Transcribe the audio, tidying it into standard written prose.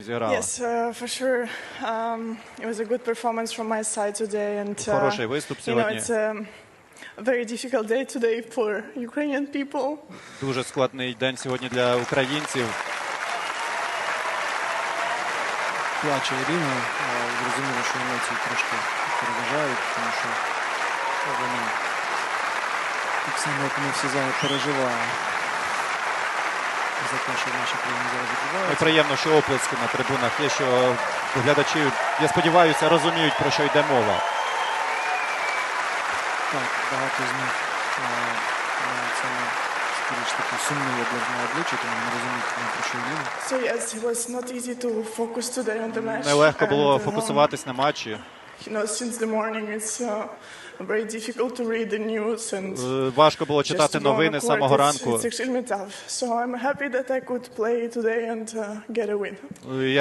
зіграла. Yes, for sure. It was a good performance from my side today, and Хороший виступ сьогодні. it's a very difficult day today for Ukrainian people. Дуже складний день сьогодні для українців. Плаче Ірина, зрозуміло, що емоції трошки переважають, тому що вона так само, як ми всі зараз переживає за те, що в нашій країні зараз відбувається. І приємно, що оплески на трибунах є, що глядачі, я сподіваюся, розуміють, про що йде мова. Так, багато з них саме скоріш таки сумні для обличчя, тому не розуміють, про що йде. So yes, it was not easy to focus today on the match. Нелегко було фокусуватись на матчі. You know, since the morning it's very difficult to read the news and Важко було читати новини з самого ранку. It's extremely tough. So I'm happy that I could play today and get a win.